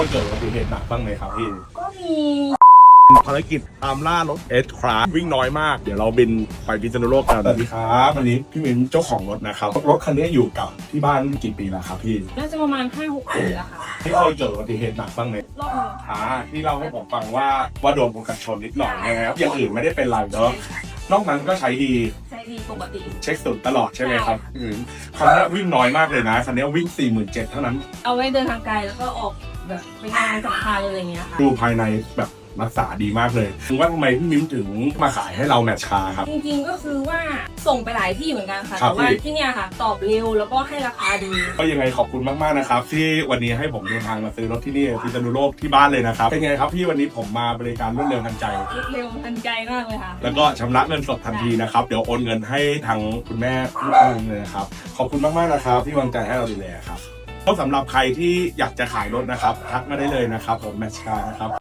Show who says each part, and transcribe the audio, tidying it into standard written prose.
Speaker 1: เกิดอุบัติเหตุหนักบ้างไหมครับพี่
Speaker 2: ก็มี
Speaker 1: ภารกิจตามล่ารถเอสคราฟวิ่งน้อยมากเดี๋ยวเราบินไปพิษณุโลกกันสวัสดีครับวันนี้พี่มิ้นเจ้าของรถนะครับรถคันนี้อยู่กับที่บ้านกี่ปีแล้วครับพี่
Speaker 2: น่าจะประมาณ 5-6 ปีแล้วค่ะ
Speaker 1: ที่เคยเกิดอุบัติเหตุหนักบ้างไหม
Speaker 2: รอบนึง
Speaker 1: ที่เราให้ผมฟังว่าโดนกันชนนิดหน่อยนะครับอย่างอื่นไม่ได้เป็นไรเนาะนอกนั้นก็ใช้ดี
Speaker 2: ปกติ
Speaker 1: เช็คสุดตลอดใช่ไหมครับคันนี้วิ่งน้อยมากเลยนะคันนี้วิ่ง 47,000 เท่านั้น
Speaker 2: เอาไว้เดินทางไกลแล้วก็ออกแบบไปงานสำคัญอะไรเงี้ยค่ะ
Speaker 1: ดูภายในแบบรักษาดีมากเลยว่าทำไมพี่มิ้มถึงมาขายให้เราแมทชาครับ
Speaker 2: จริงๆก็คือว่าส่งไปหลายที่เหมือนกันค่ะ
Speaker 1: แต่
Speaker 2: ว่าที่เนี่ยค่ะตอบเร็วแล้วก็ให้ราคาดี
Speaker 1: ก็ยังไงขอบคุณมากๆนะครับที่วันนี้ให้ผมเดินทางมาซื้อรถที่นี่พิษณุโลกที่บ้านเลยนะครับเป็นไงครับพี่วันนี้ผมมาบริการรวดเร็วทันใจ
Speaker 2: เร็วทันใจมากเลยค่ะ
Speaker 1: แล้วก็ชำระเงินสดทันทีนะครับเดี๋ยวโอนเงินให้ทางคุณแม่ลูกเลยนะครับขอบคุณมากๆนะครับที่วางใจให้เราดูแลครับก็สำหรับใครที่อยากจะขายรถนะครับทักมาได้เลยนะครับผมแมทชานะครับ